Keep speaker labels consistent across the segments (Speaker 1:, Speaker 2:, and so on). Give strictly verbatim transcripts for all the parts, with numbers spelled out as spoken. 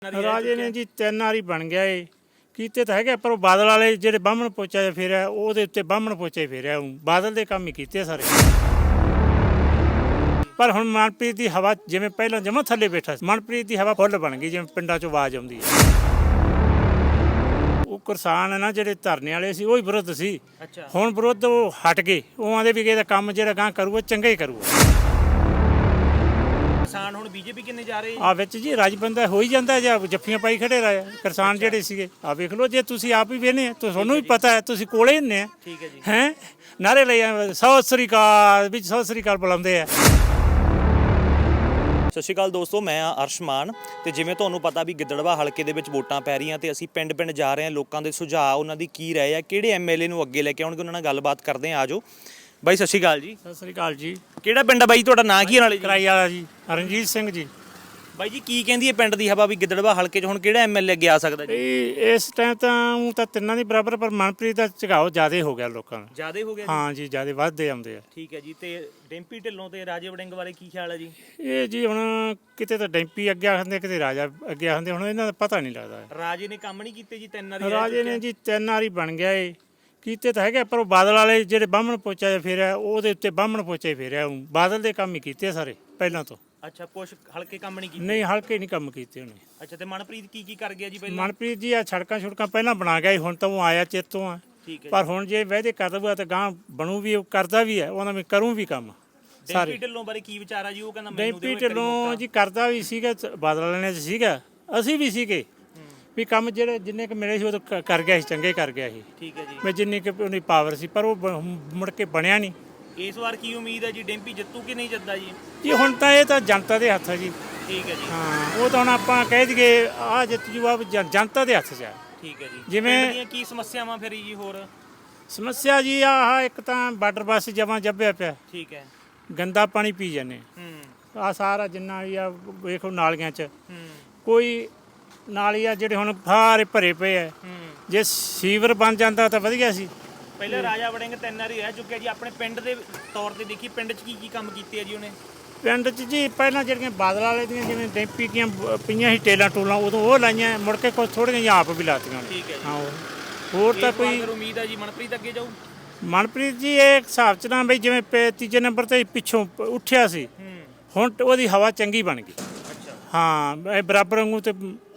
Speaker 1: ਰਾਜੇ ਨੇ ਜੀ ਤਿੰਨ ਵਾਰੀ ਬਣ ਗਿਆ ਏ ਕੀਤੇ ਤਾਂ ਹੈਗੇ, ਪਰ ਉਹ ਬਾਦਲ ਵਾਲੇ ਜਿਹੜੇ ਬਾਹਮਣ ਪੋਚਾ ਜਿਹਾ ਫੇਰਿਆ ਉਹਦੇ ਉੱਤੇ ਬਾਹਮਣ ਪੋਚਾ ਹੀ ਫੇਰਿਆ। ਉਹ ਬਾਦਲ ਦੇ ਕੰਮ ਹੀ ਕੀਤੇ ਸਾਰੇ। ਪਰ ਹੁਣ ਮਨਪ੍ਰੀਤ ਦੀ ਹਵਾ ਜਿਵੇਂ ਪਹਿਲਾਂ ਜਮਾਂ ਥੱਲੇ ਬੈਠਾ ਸੀ, ਮਨਪ੍ਰੀਤ ਦੀ ਹਵਾ ਫੁੱਲ ਬਣ ਗਈ, ਜਿਵੇਂ ਪਿੰਡਾਂ 'ਚੋਂ ਆਵਾਜ਼ ਆਉਂਦੀ ਹੈ। ਉਹ ਕਿਸਾਨ ਨਾ ਜਿਹੜੇ ਧਰਨੇ ਵਾਲੇ ਸੀ ਉਹ ਹੀ ਵਿਰੁੱਧ ਸੀ। ਹੁਣ ਵਿਰੁੱਧ ਉਹ ਹਟ ਗਏ, ਉਹ ਆਂਦੇ ਵੀ ਇਹਦਾ ਕੰਮ ਜਿਹੜਾ ਗਾਂ ਕਰੂਗਾ ਚੰਗਾ ਹੀ ਕਰੂਗਾ।
Speaker 2: ਕਿਸਾਨ ਹੁਣ ਬੀਜੇਪੀ ਕਿੰਨੇ ਜਾ ਰਹੇ
Speaker 1: ਆ ਵਿੱਚ ਜੀ ਰਾਜ ਬੰਦਾ ਹੋ ਹੀ ਜਾਂਦਾ ਜਾਂ ਜੱਫੀਆਂ ਪਾਈ ਖੜੇ ਰਹੇ ਕਿਸਾਨ ਜਿਹੜੇ ਸੀਗੇ। ਆ ਵੇਖ ਲਓ, ਜੇ ਤੁਸੀਂ ਆਪ ਹੀ ਵੇਖਨੇ ਆ ਤੁਹਾਨੂੰ ਵੀ ਪਤਾ ਹੈ, ਤੁਸੀਂ ਕੋਲੇ ਹੁੰਦੇ ਆ।
Speaker 2: ਠੀਕ ਹੈ ਜੀ।
Speaker 1: ਹੈ ਨਾਰੇ ਲਈ ਸਤਿ ਸ੍ਰੀ ਅਕਾਲ ਵਿੱਚ ਸਤਿ ਸ੍ਰੀ ਅਕਾਲ ਬੁਲਾਉਂਦੇ ਆ।
Speaker 2: ਸਤਿ ਸ਼੍ਰੀ ਅਕਾਲ ਦੋਸਤੋ, ਮੈਂ ਆ ਅਰਸ਼ਮਾਨ ਤੇ ਜਿਵੇਂ ਤੁਹਾਨੂੰ ਪਤਾ ਵੀ ਗਿੱਦੜਵਾ ਹਲਕੇ ਦੇ ਵਿੱਚ ਵੋਟਾਂ ਪੈ ਰਹੀਆਂ ਤੇ ਅਸੀਂ ਪਿੰਡ ਪਿੰਡ ਜਾ ਰਹੇ ਹਾਂ, ਲੋਕਾਂ ਦੇ ਸੁਝਾਅ ਉਹਨਾਂ ਦੀ ਕੀ ਰਾਏ ਆ, ਕਿਹੜੇ ਐਮਐਲਏ ਨੂੰ ਅੱਗੇ ਲੈ ਕੇ ਆਉਣਗੇ, ਉਹਨਾਂ ਨਾਲ ਗੱਲਬਾਤ ਕਰਦੇ ਆ। ਆਜੋ ਬਾਈ, ਸਤਿ ਸ਼੍ਰੀ ਅਕਾਲ ਜੀ।
Speaker 1: ਸਤਿ ਸ੍ਰੀ ਅਕਾਲ ਜੀ।
Speaker 2: ਕਿਹੜਾ ਪਿੰਡ ਆ ਬਾਈ ਤੁਹਾਡਾ, ਨਾਂ ਕੀ ਨਾਲੇ ਜੀ?
Speaker 1: ਕਰਾਈ ਵਾਲਾ ਜੀ, ਰਣਜੀਤ ਸਿੰਘ ਜੀ।
Speaker 2: ਬਾਈ ਜੀ ਕੀ ਕਹਿੰਦੀ ਹੈ ਪਿੰਡ ਦੀ ਹਵਾ ਵੀ ਗਿੱਦੜਵਾ ਹਲਕੇ 'ਚ ਹੁਣ ਕਿਹੜਾ ਐਮਐਲਏ ਅੱਗੇ ਆ ਸਕਦਾ ਜੀ?
Speaker 1: ਇਹ ਇਸ ਟਾਈਮ ਤਾਂ ਉਹ ਤਾਂ ਤਿੰਨਾਂ ਦੀ ਬਰਾਬਰ, ਪਰ ਮਨਪ੍ਰੀਤ ਦਾ ਝੁਕਾਓ ਜ਼ਿਆਦਾ ਹੋ ਗਿਆ ਲੋਕਾਂ ਦਾ।
Speaker 2: ਜ਼ਿਆਦਾ ਹੋ ਗਿਆ ਜੀ?
Speaker 1: ਹਾਂ ਜੀ, ਜ਼ਿਆਦਾ ਵੱਧਦੇ ਆਉਂਦੇ ਆ।
Speaker 2: ਠੀਕ ਹੈ ਜੀ। ਤੇ ਡੈਂਪੀ ਢਿੱਲੋਂ ਤੇ ਰਾਜੇ ਵੜਿੰਗ ਬਾਰੇ ਕੀ ਖਿਆਲ ਹੈ ਜੀ?
Speaker 1: ਇਹ ਜੀ ਹੁਣ ਕਿਤੇ ਤਾਂ ਡੈਂਪੀ ਅੱਗੇ ਆਖਦੇ, ਕਿਤੇ ਰਾਜਾ ਅੱਗੇ ਆਖਦੇ, ਹੁਣ ਇਹਨਾਂ ਦਾ ਪਤਾ ਨਹੀਂ ਲੱਗਦਾ।
Speaker 2: ਰਾਜੇ ਨੇ ਕੰਮ ਨਹੀਂ ਕੀਤੇ ਜੀ ਤਿੰਨ ਵਾਰੀ?
Speaker 1: ਰਾਜੇ ਨੇ ਜੀ ਤਿੰਨ ਵਾਰੀ ਬਣ ਗਿਆ ਏ ਕੀਤੇ ਤਾਂ ਹੈਗੇ, ਪਰ ਉਹ ਬਾਦਲ ਵਾਲੇ ਜਿਹੜੇ ਬਾਹਮਣ ਪੋਚਾ ਜਿਹਾ ਫੇਰਿਆ ਉਹਦੇ ਉੱਤੇ ਬਾਹਮਣ ਪੋਚਾ ਹੀ ਫੇਰਿਆ। ਉਹ ਬਾਦਲ ਦੇ ਕੰਮ ਹੀ ਕੀਤੇ ਸਾਰੇ ਪਹਿਲਾਂ ਤੋਂ।
Speaker 2: ਅੱਛਾ, ਕੁਛ ਹਲਕੇ ਕੰਮ ਨਹੀਂ ਕੀਤੇ?
Speaker 1: ਨਹੀਂ, ਹਲਕੇ ਨਹੀਂ ਕੰਮ ਕੀਤੇ ਉਹਨੇ।
Speaker 2: ਅੱਛਾ, ਤੇ ਮਨਪ੍ਰੀਤ ਕੀ ਕੀ ਕਰ ਗਿਆ ਜੀ ਪਹਿਲਾਂ?
Speaker 1: ਮਨਪ੍ਰੀਤ ਜੀ ਆ ਸੜਕਾਂ ਛੁੜਕਾਂ ਪਹਿਲਾਂ ਬਣਾ ਗਿਆ ਸੀ, ਹੁਣ ਤਾਂ ਉਹ ਆਇਆ ਚੇਤੋਂ ਆ।
Speaker 2: ਠੀਕ ਹੈ।
Speaker 1: ਪਰ ਹੁਣ ਜੇ ਵਾਅਦੇ ਕਰ ਦਊਗਾ ਤਾਂ ਗਾਂ ਬਣੂ ਵੀ, ਉਹ ਕਰਦਾ ਵੀ ਹੈ, ਉਹਨਾਂ ਮੈਂ ਕਰੂੰ ਵੀ ਕੰਮ ਸਾਰੇ।
Speaker 2: ਡੈਂਪੀ ਢਿੱਲੋਂ ਬਾਰੇ ਕੀ ਵਿਚਾਰ ਆ ਜੀ? ਉਹ ਕਹਿੰਦਾ ਮੈਨੂੰ
Speaker 1: ਡੈਂਪੀ ਢਿੱਲੋਂ ਜੀ ਕਰਦਾ ਵੀ ਸੀਗਾ, ਬਾਦਲ ਵਾਲਿਆਂ ਨੇ ਸੀਗਾ, ਅਸੀਂ ਵੀ ਸੀਗੇ ਵੀ ਕੰਮ ਜਿਹੜੇ ਜਿੰਨੇ ਕੁ ਮਿਲੇ ਸੀ ਉਹ ਤਾਂ ਕਰ ਗਿਆ ਸੀ, ਚੰਗੇ ਕਰ ਗਿਆ ਸੀ।
Speaker 2: ਠੀਕ ਹੈ ਜੀ।
Speaker 1: ਮੈਂ ਜਿੰਨੀ ਕੁ ਉਹਦੀ ਪਾਵਰ ਸੀ, ਪਰ ਉਹ ਬ- ਮੁੜ ਕੇ ਬਣਿਆ ਨਹੀਂ।
Speaker 2: ਇਸ ਵਾਰ ਕੀ ਉਮੀਦ ਹੈ ਜੀ, ਡੈਂਪੀ ਜਿੱਤੂ ਕਿ ਨਹੀਂ ਜਿੱਤਦਾ ਜੀ?
Speaker 1: ਜੀ ਹੁਣ ਤਾਂ ਇਹ ਤਾਂ ਜਨਤਾ ਦੇ ਹੱਥ ਹੈ ਜੀ।
Speaker 2: ਠੀਕ ਹੈ ਜੀ।
Speaker 1: ਹਾਂ, ਉਹ ਤਾਂ ਹੁਣ ਆਪਾਂ ਕਹਿ ਦਈਏ ਆ ਜਿੱਤ ਜੂਆ ਵੀ ਜਨ- ਜਨਤਾ ਦੇ ਹੱਥ 'ਚ ਆ।
Speaker 2: ਠੀਕ ਹੈ ਜੀ।
Speaker 1: ਜਿਵੇਂ-
Speaker 2: ਪਿੰਡ ਦੀਆਂ ਕੀ ਸਮੱਸਿਆਵਾਂ ਫਿਰ ਜੀ ਹੋਰ?
Speaker 1: ਸਮੱਸਿਆ ਜੀ ਆਹ ਇੱਕ ਤਾਂ ਬਾਰਡਰ ਬੱਸ ਜਮਾਂ ਜੱਬਿਆ ਪਿਆ,
Speaker 2: ਠੀਕ ਹੈ।
Speaker 1: ਗੰਦਾ ਪਾਣੀ ਪੀ ਜਾਂਦੇ
Speaker 2: ਹੂੰ
Speaker 1: ਆ ਸਾਰਾ ਜਿੰਨਾ ਵੀ ਆ ਵੇਖੋ ਨਾਲੀਆਂ 'ਚ
Speaker 2: ਹੂੰ
Speaker 1: ਕੋਈ ਨਾਲੀ ਆ ਜਿਹੜੇ ਹੁਣ ਸਾਰੇ ਭਰੇ ਪਏ ਆ।
Speaker 2: ਹੂੰ
Speaker 1: ਜੇ ਸੀਵਰ ਬਣ ਜਾਂਦਾ ਤਾਂ ਵਧੀਆ ਸੀ।
Speaker 2: ਪਹਿਲਾਂ ਰਾਜਾ ਵੜਿੰਗ ਤਿੰਨ ਵਾਰੀ ਰਹਿ ਚੁੱਕਿਆ ਜੀ। ਆਪਣੇ ਪਿੰਡ ਦੇ ਤੌਰ ਤੇ ਦੇਖੀ, ਪਿੰਡ 'ਚ ਕੀ ਕੀ ਕੰਮ ਕੀਤੇ ਆ ਜੀ ਉਹਨੇ?
Speaker 1: ਪਿੰਡ 'ਚ ਜੀ ਪਹਿਲਾਂ ਜਿਹੜੀਆਂ ਬਾਦਲ ਵਾਲੇ ਦੀਆਂ ਜਿਵੇਂ ਡੈਂਪੀ ਦੀਆਂ ਬ- ਪਈਆਂ ਸੀ ਟੇਲਾਂ ਟੂਲਾਂ, ਉਦੋਂ ਉਹ ਲਾਈਆਂ, ਮੁੜ ਕੇ ਕੁਝ ਥੋੜ੍ਹੀਆਂ ਜਿਹੀਆਂ ਆਪ ਵੀ ਲਾਤੀਆਂ ਨੇ।
Speaker 2: ਠੀਕ ਹੈ ਜੀ।
Speaker 1: ਹਾਂ, ਉਹ- ਹੋਰ ਤਾਂ
Speaker 2: ਇਸ ਵਾਰ
Speaker 1: ਕੋਈ
Speaker 2: ਫਿਰ ਉਮੀਦ ਹੈ ਜੀ ਮਨਪ੍ਰੀਤ ਅੱਗੇ ਜਾਊ?
Speaker 1: ਮਨਪ੍ਰੀਤ ਜੀ ਇਹ ਹਿਸਾਬ 'ਚ ਨਾ ਬਈ ਜਿਵੇਂ ਪੇ- ਤੀਜੇ ਨੰਬਰ ਤੇ ਪਿੱਛੋਂ ਪ- ਉੱਠਿਆ ਸੀ,
Speaker 2: ਹੂੰ
Speaker 1: ਹੁਣ ਟ- ਉਹਦੀ ਹਵਾ ਚੰਗੀ ਬਣ ਗਈ।
Speaker 2: ਅੱਛਾ।
Speaker 1: ਹਾਂ, ਇਹ ਬਰਾਬਰ ਵਾਂਗੂ ਤੇ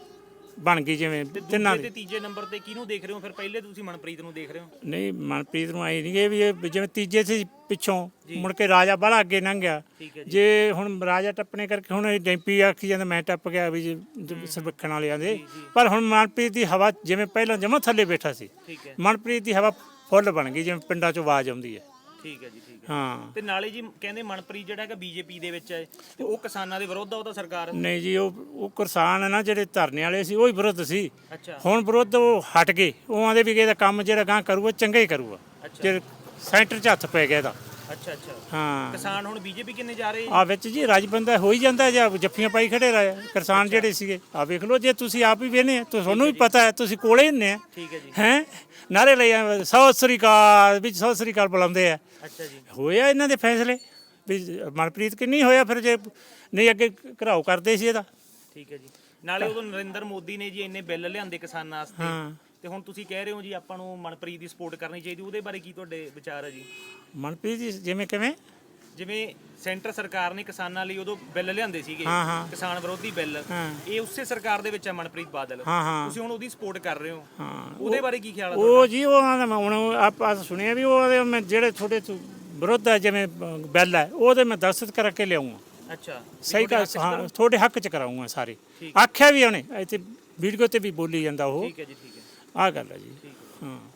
Speaker 1: ਬਣ ਗਈ ਜਿਵੇਂ
Speaker 2: ਤੇ
Speaker 1: ਤਿੰਨਾਂ
Speaker 2: ਦੂਜੇ ਤੇ
Speaker 1: ਦੀ।
Speaker 2: ਤੀਜੇ ਨੰਬਰ ਤੇ ਕਿਹਨੂੰ ਦੇਖ ਰਹੇ ਹੋ ਫਿਰ? ਪਹਿਲੇ ਤੁਸੀਂ ਮਨਪ੍ਰੀਤ ਨੂੰ ਦੇਖ ਰਹੇ ਹੋ?
Speaker 1: ਨਹੀਂ, ਮਨਪ੍ਰੀਤ ਨੂੰ ਆਈ ਨਹੀਂ ਇਹ ਵੀ ਇਹ ਜਿਵੇਂ ਤੀਜੇ ਸੀ ਪਿੱਛੋਂ,
Speaker 2: ਜੀ।
Speaker 1: ਮੁੜ ਕੇ ਰਾਜਾ ਬਾਹਲਾ ਅੱਗੇ ਲੰਘ ਗਿਆ।
Speaker 2: ਠੀਕ ਹੈ ਜੀ।
Speaker 1: ਜੇ ਹੁਣ ਰਾਜਾ ਟੱਪਣੇ ਕਰਕੇ ਹੁਣ ਇਹ ਡੈਂਪੀ ਆਖੀ ਜਾਂਦਾ ਮੈਂ ਟੱਪ ਗਿਆ ਵੀ ਸਰਵੇਖਣ ਵਾਲਿਆਂ ਦੇ, ਪਰ ਹੁਣ ਮਨਪ੍ਰੀਤ ਦੀ ਹਵਾ ਜਿਵੇਂ ਪਹਿਲਾਂ ਜਮਾਂ ਥੱਲੇ ਬੈਠਾ ਸੀ,
Speaker 2: ਠੀਕ ਹੈ।
Speaker 1: ਮਨਪ੍ਰੀਤ ਦੀ ਹਵਾ ਫੁੱਲ ਬਣ ਗਈ, ਜਿਵੇਂ ਪਿੰਡਾਂ 'ਚੋਂ ਆਵਾਜ਼ ਆਉਂਦੀ ਹੈ।
Speaker 2: ਠੀਕ ਹੈ ਜੀ। ਠੀਕ ਹੈ।
Speaker 1: ਹਾਂ,
Speaker 2: ਤੇ ਨਾਲੇ ਜੀ ਕਹਿੰਦੇ ਮਨਪ੍ਰੀਤ ਜਿਹੜਾ ਹੈਗਾ ਬੀਜੇਪੀ ਦੇ ਵਿੱਚ ਹੈ ਤੇ ਉਹ ਕਿਸਾਨਾਂ ਦੇ ਵਿਰੁੱਧ ਆ ਉਹ ਤਾਂ ਸਰਕਾਰ?
Speaker 1: ਨਹੀਂ ਜੀ, ਉਹ ਉਹ ਕਿਸਾਨ ਨਾ ਜਿਹੜੇ ਧਰਨੇ ਵਾਲੇ ਸੀ ਉਹ ਹੀ ਵਿਰੁੱਧ ਸੀ।
Speaker 2: ਅੱਛਾ।
Speaker 1: ਹੁਣ ਵਿਰੁੱਧ ਉਹ ਹਟ ਗਏ, ਉਹ ਆਂਦੇ ਵੀ ਇਹਦਾ ਕੰਮ ਜਿਹੜਾ ਗਾਂ ਕਰੂਗਾ ਚੰਗਾ ਹੀ ਕਰੂਗਾ।
Speaker 2: ਅੱਛਾ।
Speaker 1: ਜੇ ਸੈਂਟਰ 'ਚ ਹੱਥ ਪੈ ਗਿਆ ਇਹਦਾ।
Speaker 2: ਅੱਛਾ ਅੱਛਾ।
Speaker 1: ਹਾਂ,
Speaker 2: ਕਿਸਾਨ ਹੁਣ ਬੀਜੇਪੀ ਕਿੰਨੇ ਜਾ ਰਹੇ?
Speaker 1: ਆ ਵਿੱਚ ਜੀ ਰਾਜ ਬੰਦਾ ਹੋ ਹੀ ਜਾਂਦਾ ਜਾਂ ਜੱਫੀਆਂ ਪਾਈ ਖੜੇ ਰਹੇ ਕਿਸਾਨ ਜਿਹੜੇ ਸੀਗੇ। ਆ ਵੇਖ ਲਓ, ਜੇ ਤੁਸੀਂ ਆਪ ਹੀ ਵੇਖਨੇ ਆ ਤੁਹਾਨੂੰ ਵੀ ਪਤਾ ਹੈ, ਤੁਸੀਂ ਕੋਲੇ ਹੁੰਦੇ ਆ।
Speaker 2: ਠੀਕ ਹੈ ਜੀ।
Speaker 1: ਹੈ ਨਾਰੇ ਲਈ ਸਤਿ ਸ੍ਰੀ ਅਕਾਲ ਵਿੱਚ ਸਤਿ ਸ੍ਰੀ ਅਕਾਲ ਬੁਲਾਉਂਦੇ ਆ।
Speaker 2: ਅੱਛਾ ਜੀ।
Speaker 1: ਹੋਇਆ ਇਹਨਾਂ ਦੇ ਫੈਸਲੇ ਵੀ ਮਨਪ੍ਰੀਤ ਕਿ ਨਹੀਂ ਹੋਇਆ, ਫਿਰ ਜੇ ਨਹੀਂ ਅੱਗੇ ਘਰਾਓ ਕਰਦੇ ਸੀ ਇਹਦਾ।
Speaker 2: ਠੀਕ ਹੈ ਜੀ। ਨਾਲੇ ਉਦੋਂ ਨਰਿੰਦਰ ਮੋਦੀ ਨੇ ਜੀ ਇੰਨੇ ਬਿੱਲ ਲਿਆਂਦੇ ਕਿਸਾਨਾਂ ਵਾਸਤੇ,
Speaker 1: ਹਾਂ,
Speaker 2: ਤੇ ਹੁਣ ਤੁਸੀਂ ਕਹਿ ਰਹੇ ਹੋ ਜੀ ਆਪਾਂ ਨੂੰ ਮਨਪ੍ਰੀਤ ਦੀ ਸਪੋਰਟ ਕਰਨੀ ਚਾਹੀਦੀ, ਉਹਦੇ ਬਾਰੇ ਕੀ ਤੁਹਾਡੇ ਵਿਚਾਰ ਹੈ ਜੀ?
Speaker 1: ਮਨਪ੍ਰੀਤ ਜੀ ਜਿਵੇਂ ਕਿਵੇਂ
Speaker 2: ਜਿਵੇਂ ਸੈਂਟਰ ਸਰਕਾਰ ਨੇ ਕਿਸਾਨਾਂ ਲਈ ਉਦੋਂ ਬਿੱਲ ਲਿਆਂਦੇ ਸੀਗੇ,
Speaker 1: ਹਾਂ, ਹਾਂ।
Speaker 2: ਕਿਸਾਨ ਵਿਰੋਧੀ ਬਿੱਲ,
Speaker 1: ਹਾਂ।
Speaker 2: ਇਹ ਉਸੇ ਸਰਕਾਰ ਦੇ ਵਿੱਚ ਹੈ ਮਨਪ੍ਰੀਤ ਬਾਦਲ।
Speaker 1: ਹਾਂ, ਹਾਂ।
Speaker 2: ਤੁਸੀਂ ਹੁਣ ਉਹਦੀ ਸਪੋਰਟ ਕਰ ਰਹੇ ਹੋ,
Speaker 1: ਹਾਂ,
Speaker 2: ਉਹਦੇ ਬਾਰੇ ਕੀ ਖਿਆਲ ਹੈ
Speaker 1: ਉਹ ਜੀ ਉਹਨਾਂ ਦਾ ਹੁਣ ਆਪਾਂ ਸੁਣਿਆ ਵੀ ਉਹ ਮੈਂ ਜਿਹੜੇ ਤੁਹਾਡੇ ਵਿਰੁੱਧ ਹੈ ਜਿਵੇਂ ਬਿੱਲ ਹੈ ਉਹਦੇ ਮੈਂ ਦਸਤਖਤ ਕਰਕੇ ਲਿਆਉਂਗਾ।
Speaker 2: ਤੁਹਾਡਾ? ਅੱਛਾ।
Speaker 1: ਸਹੀ ਗੱਲ, ਹਾਂ, ਤੁਹਾਡੇ ਹੱਕ 'ਚ ਕਰਾਉਂਗਾ ਸਾਰੇ।
Speaker 2: ਠੀਕ।
Speaker 1: ਆਖਿਆ ਵੀ ਉਹਨੇ ਇੱਥੇ ਵੀਡੀਓ ਤੇ ਵੀ ਬੋਲੀ ਜਾਂਦਾ ਉਹ।
Speaker 2: ਠੀਕ ਹੈ ਜੀ। ਠੀਕ ਹੈ।
Speaker 1: ਆਹ ਗੱਲ ਹੈ ਜੀ।
Speaker 2: ਠੀਕ ਹੈ।
Speaker 1: ਹਾਂ।